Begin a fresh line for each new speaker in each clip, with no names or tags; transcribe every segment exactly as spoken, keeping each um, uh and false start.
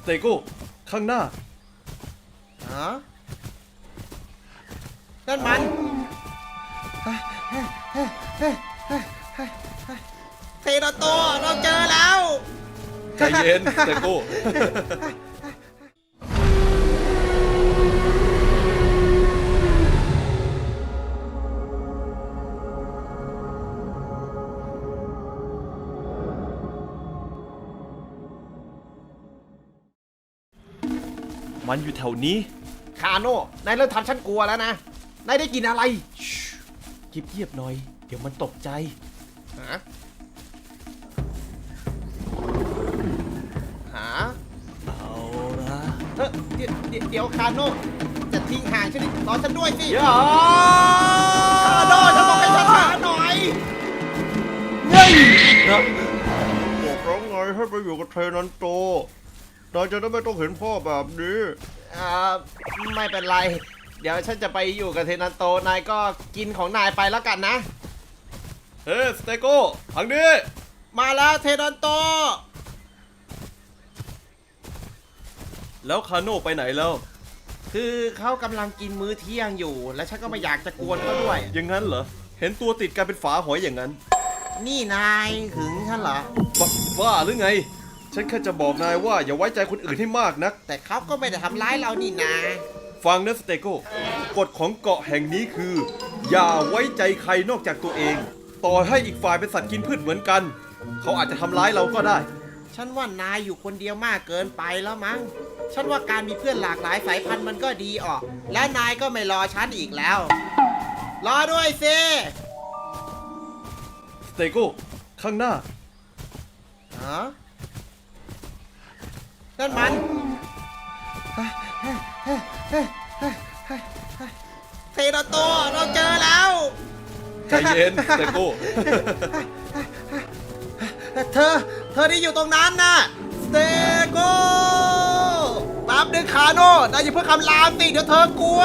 เตโก้ข้างหน้า
ฮะนั่นมันเทโนโตเราเจอแล้ว
ใจเย็นเตโก้มันอยู่แถวนี้
คาโน่นายเริ่มทำฉันกลัวแล้วนะนายได้กินอะไร
เงียบๆหน่อยเดี๋ยวมันตกใจ
ฮะหา
เอาละ
เเดี๋ยวเดี๋ยวคาโน่จะทิ้งห่างฉันดิรอฉันด้วยสิ
อย่า
คาโน่ฉันบอกให้ฉันหาหน่อย
เฮ้ยนะบอกร้องไงให้ไปอยู่กับเทนันโตนายจะได้ไม่ต้องเห็นพ่อแบบนี้
อ่าไม่เป็นไรเดี๋ยวฉันจะไปอยู่กับเทนันโตนายก็กินของนายไปแล้วกันนะ
เฮ้สเตโก้ทางนี้
มาแล้วเทนันโต
แล้วคาโน่ไปไหนแล้ว
คือเขากำลังกินมื้อเที่ยงอยู่และฉันก็ไม่อยากจะกวนเขาด้วย
อย่างนั้นเหรอเห็นตัวติดกันเป็นฝาหอยอย่างนั้น
นี่นายหึงฉันเหรอ
บ้าหรือไงฉันแค่จะบอกนายว่าอย่าไว้ใจคนอื่นให้มากนัก
แต่เขาก็ไม่ได้ทำร้ายเรานี่นา
ฟังนะสเตโก้กฎของเกาะแห่งนี้คืออย่าไว้ใจใครนอกจากตัวเองต่อให้อีกฝ่ายเป็นสัตว์กินพืชเหมือนกันเขาอาจจะทำร้ายเราก็ได้
ฉันว่านายอยู่คนเดียวมากเกินไปแล้วมั้งฉันว่าการมีเพื่อนหลากหลายสายพันธุ์มันก็ดีออกและนายก็ไม่รอฉันอีกแล้วรอด้วยสิ
สเตโก้ข้างหน้า
ฮะนั่นมันเทโนโตเราเจอแล้ว
ใจเย็นเตโก้
เธอเธอที่อยู่ตรงนั้นน่ะสเตโก้ตามดึงคาโน่นายอย่าเพิ่งคำรามสิเดี๋ยวเธอกลัว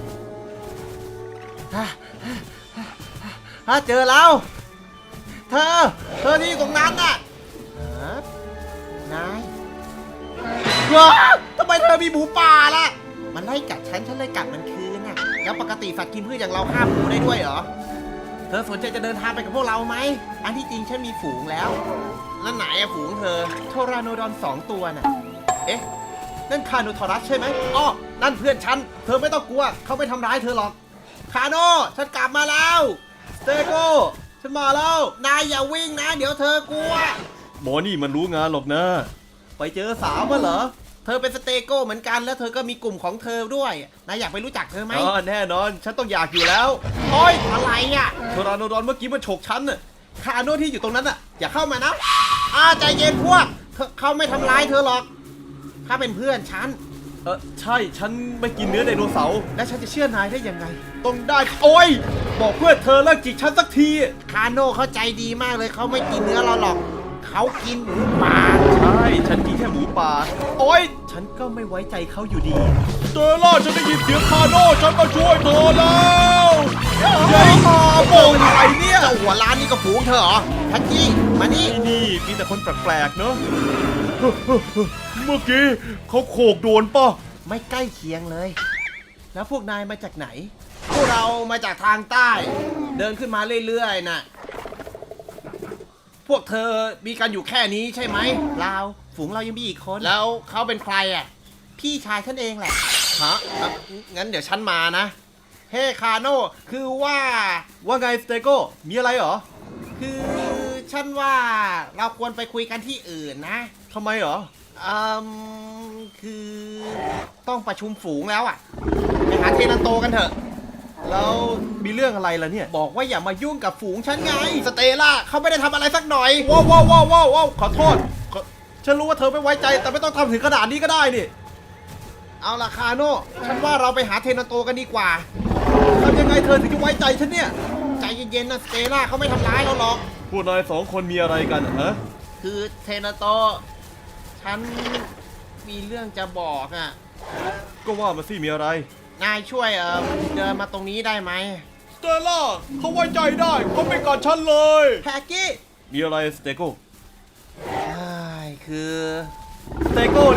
ฮะเจอแล้วเธอเธอที่อยู่ตรงนั้นน่ะนายว้าทำไมเธอมีหมูป่าล่ะมันไล่กัดฉันฉันเลยกัดมันคืนน่ะแล้วปกติสัตว์กินพืชอย่างเราฆ่าหมูได้ด้วยเหรอเธอสนใจจะเดินทางไปกับพวกเราไหมอันที่จริงฉันมีฝูงแล้วแล้วไหนอะฝูงเธอโทราโนดอนสองตัวน่ะเอ๊ะนั่นคาโนทอรัสใช่ไหมอ้อนั่นเพื่อนฉันเธอไม่ต้องกลัวเขาไม่ทำร้ายเธอหรอกคาโนฉันกลับมาแล้วสเตโก้ฉันมาแล้วนายอย่าวิ่งนะเดี๋ยวเธอกลัว
หมอนี่มันรู้งานหรอกนะ
ไปเจอสาวมาเหรอเธอเป็นสเตโก้เหมือนกันแล้วเธอก็มีกลุ่มของเธอด้วยนายอยากไปรู้จักเธอไหม
อ๋อแน่นอนฉันต้องอยากอยู่แล้ว
โอ๊ยอะไรอ่ะ
โทราโนดอนเมื่อกี้มันฉกฉันน่ะ
คาโน่ที่อยู่ตรงนั้นอ่ะอย่าเข้ามานะอ่าใจเย็นพวกเขาไม่ทำร้ายเธอหรอกข้าเป็นเพื่อนฉัน
เออใช่ฉันไม่กินเนื้อไดโนเสาร์
และฉันจะเชื่อนายได้ยังไง
ต้องได้โอ๊ยบอกเพื่อนเธอเลิกจิกฉันสักที
คาโน่เขาใจดีมากเลยเขาไม่กินเนื้อเราหรอกเขากินหมูป่า
ใช่ฉันกินแค่หมูป่าโอ๊ย
ฉันก็ไม่ไว้ใจเขาอยู่ดี
เจอล่าฉันได้ยินเสียงคาโน่ฉันมาช่วยเธอแล้ว
เฮ้ยโป่งอะไรเนี่ยเจ้าหัวล้านนี่ก็ฝูงเธอเหรอทักกี้มานี่
นี่มีแต่คนแปลกๆเนอะเมื่อกี้เขาโขกโดนป่ะ
ไม่ใกล้เคียงเลยแล้วพวกนายมาจากไหนพวกเรามาจากทางใต้เดินขึ้นมาเรื่อยๆน่ะพวกเธอมีกันอยู่แค่นี้ใช่ไหมเราฝูงเรายังมีอีกคนแล้วเขาเป็นใครอ่ะพี่ชายฉันเองแหละฮะงั้นเดี๋ยวฉันมานะเฮ้คาโน่คือว่า
ว่าไงสเตโก้มีอะไรเหรอ
คือฉันว่าเราควรไปคุยกันที่อื่นนะ
ทำไมเหรอ
อืมคือต้องประชุมฝูงแล้วอ่ะไปหาเทนันโตกันเถอะ
แล้วมีเรื่องอะไรล่ะเนี่ย
บอกว่าอย่ามายุ่งกับฝูงฉันไงสเตล่าเขาไม่ได้ทำอะไรสักหน่อย
ว้าวว้าวว้าวว้าวขอโทษฉันรู้ว่าเธอไม่ไว้ใจแต่ไม่ต้องทำถึงขนาดนี้ก็ได้นี่
เอาล่ะคาโน่ฉันว่าเราไปหาเทนันโตกันดีกว่า
ทำยังไงเธอถึงจะไว้ใจฉันเนี่ย
ใจเย็นๆนะสเตล่าเขาไม่ทำร้ายเราหรอก
พวกนายสองคนมีอะไรกันฮะ
คือเทนันโตฉันมีเรื่องจะบอกอ่ะ
ก็ว่ามาสิมีอะไร
นายช่วยเออเดินมาตรงนี้ได้ไหม
สเตล่าเขาไว้ใจได้เขาไม่กัดฉันเลย
แพ็กกี้
มีอะไรสเตโก้
ใช่คือ
สเตโก้เรียกประชุมฝู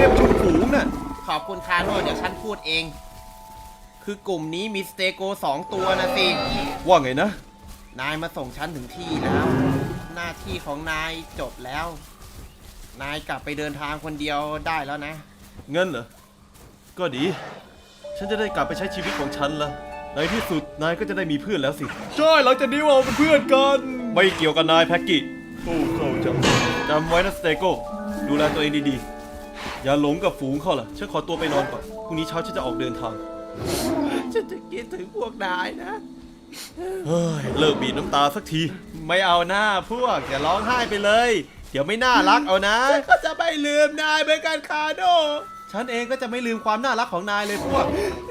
ฝูงน่ะ
ขอบคุณคาโน่เดี๋ยวฉันพูดเอง คือกลุ่มนี้มีสเตโกสองตัวนะสิ
ว่าไงนะ
นายมาส่งฉันถึงที่แล้ว หน้าที่ของนายจบแล้ว นายกลับไปเดินทางคนเดียวได้แล้วนะ
เงินเหรอ ก็ดี ฉันจะได้กลับไปใช้ชีวิตของฉันละในที่สุดนายก็จะได้มีเพื่อนแล้วสิ ใช่หลังจากนี้เราเป็นเพื่อนกัน ไม่เกี่ยวกับนายแพ็กกี้โอ้เข้าใจจำไว้นะสเตโก้ดูแลตัวเองดีๆ อย่าหลงกับฝูงเขาล่ะ ฉันขอตัวไปนอนก่อน พรุ่งนี้เช้าฉันจะออกเดินทาง
ฉันจะคิดถึงพวกนายนะ
เฮ้ย เลิกบีบน้ำตาสักที
ไม่เอาหน้าพวกอย่าร้องไห้ไปเลย เดี๋ยวไม่น่ารักเอานะฉันก็จะไม่ลืมนายเหมือนกันคาโดฉันเองก็จะไม่ลืมความน่ารักของนายเลยพวก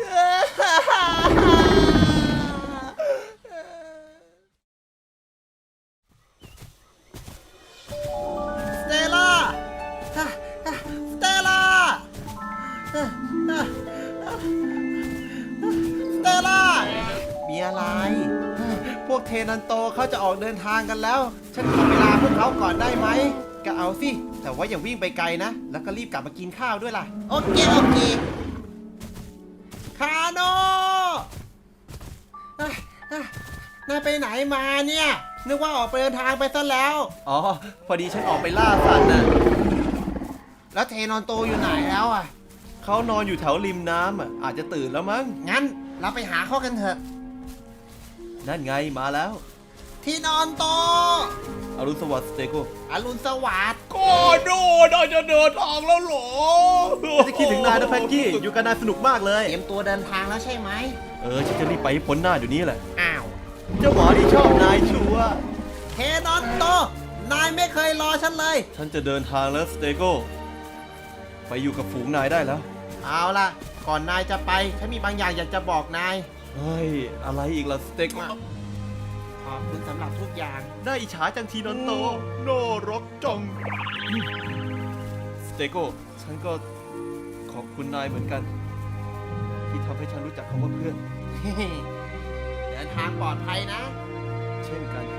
สเตลล่า สเตลล่า สเตลล่า มีอะไร พวกเทนันโตเขาจะออกเดินทางกันแล้ว ฉันขอเวลาพวกเขาก่อนได้ไหม ก็เอาสิ แต่ว่าอย่าวิ่งไปไกลนะ แล้วก็รีบกลับมากินข้าวด้วยล่ะ โอเค โอเค คาโนอ่ะอ่ะนายไปไหนมาเนี่ย นึกว่าออกไปเดินทางไปซะแล้ว อ๋อ พอดีฉันออกไปล่าสัตว์น่ะ แล้วเทนอนโตอยู่ไหนแล้วอ่ะ
เขานอนอยู่แถวริมน้ำอ่ะ อาจจะตื่นแล้วมั้ง
งั้นเราไปหาเขากันเถอะ
นั่นไงมาแล้ว
ที่นอนโต
อรุณสวัสดิ์สเตโก้
อรุณสวัสดิ์
ก็โดนอาจจะเดินทางแล้วหรอจะคิดถึงนายนะแพ็กกี้ อยู่กับนายสนุกมากเลย
เตรียมตัวเดินทางแล้วใช่ไหม
เออ ฉันจะรีบไปให้พ้นหน้าเดี๋ยวนี้แหละ
อ้าว
เจ้าหมาที่ชอบนายชัวร์
เทนอนโต นายไม่เคยรอฉันเลย
ฉันจะเดินทางแล้วสเตโก้ ไปอยู่กับฝูงนายได้แล้ว
เอาล่ะ ก่อนนายจะไป ฉันมีบางอย่างอยากจะบอกนาย
เฮ้ย อะไรอีกล่ะสเตโก้
ขอบคุณสำหรับทุกอย่าง
น่าอิจฉาจังทีนอนโตโน่รักจังสเตโก้ ฉันก็ขอบคุณนายเหมือนกัน ที่ทำให้ฉันรู้จักคำว่าเพื่อน
เดินทางปลอดภัยนะ
เช่นกัน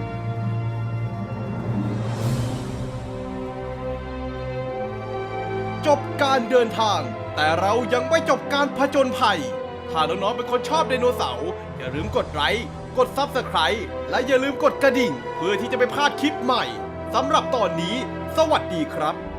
จบการเดินทาง แต่เรายังไม่จบการผจญภัย ถ้าน้องๆเป็นคนชอบไดโนเสาร์อย่าลืมกดไลค์ กด ซับสไครบ์ และอย่าลืมกดกระดิ่ง เพื่อที่จะไม่พลาดคลิปใหม่ สำหรับตอนนี้ สวัสดีครับ